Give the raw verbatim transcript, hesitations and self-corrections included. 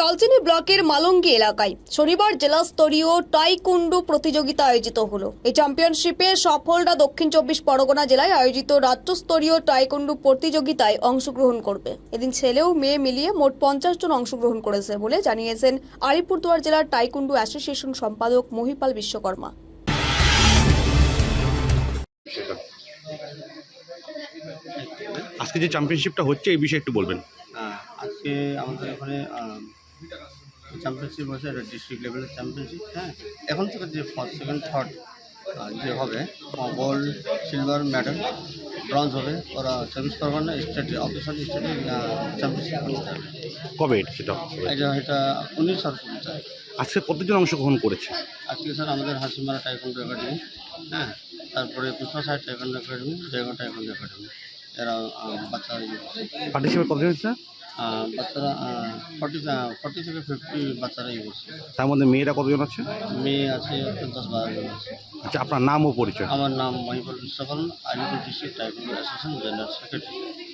কালচিনি ব্লকের মালঙ্গি এলাকায় শনিবার জেলা স্তরীয় টাইকুন্ডু প্রতিযোগিতা আয়োজিত হলো। এই চ্যাম্পিয়নশিপে সফলরা দক্ষিণ চব্বিশ পরগনা জেলায় আয়োজিত রাজ্যস্তরীয় টাইকুন্ডু প্রতিযোগিতায় অংশগ্রহণ করবে। এদিন ছেলে ও মেয়ে মিলিয়ে মোট পঞ্চাশ জন অংশগ্রহণ করেছে বলে জানিয়েছেন আলিপুরদুয়ার জেলার টাইকুন্ডু অ্যাসোসিয়েশন সম্পাদক মহিপাল বিশ্বকর্মা। আজকে যে চ্যাম্পিয়নশিপটা হচ্ছে এই বিষয়ে একটু বলবেন। আহ, আজকে আমাদের এখানে চ্যাম্পিয়নশিপ হচ্ছে ডিস্ট্রিক্ট লেভেলের চ্যাম্পিয়নশিপ। হ্যাঁ, এখন থেকে যে ফার্স্ট সেকেন্ড থার্ড যে হবে গোল্ড সিলভার মেডেল ব্রঞ্জ হবে, ওরা চব্বিশ পরগনা স্টেট অফিসার স্টেটে চ্যাম্পিয়নশিপ করতে হবে। কবে এটা সেটা হবে? এটা এটা উনিশ সরস্বতী তারিখ। আজকে কতজন অংশগ্রহণ করেছে? আজকে স্যার আমাদের হাসিমারা টাইকন্ডো একাডেমি, হ্যাঁ, তারপরে Krishna Saheb taekwondo academy, Joygarh taekwondo academy, এরা আহ, বাচ্চারা ইয়ে করছে। পার্টিসিপেট কতজন হচ্ছে? আহ, বাচ্চারা ফর্টি ফর্টি থেকে ফিফটি বাচ্চারা ইয়ে করছে। তার মধ্যে মেয়েরা কতজন আছে? মেয়ে আছে দশ বারো জন আছে। আচ্ছা, আপনার নাম ও পরিচয়? আমার নাম Mahipal Biswakarma, Alipur district taekwondo association general secretary.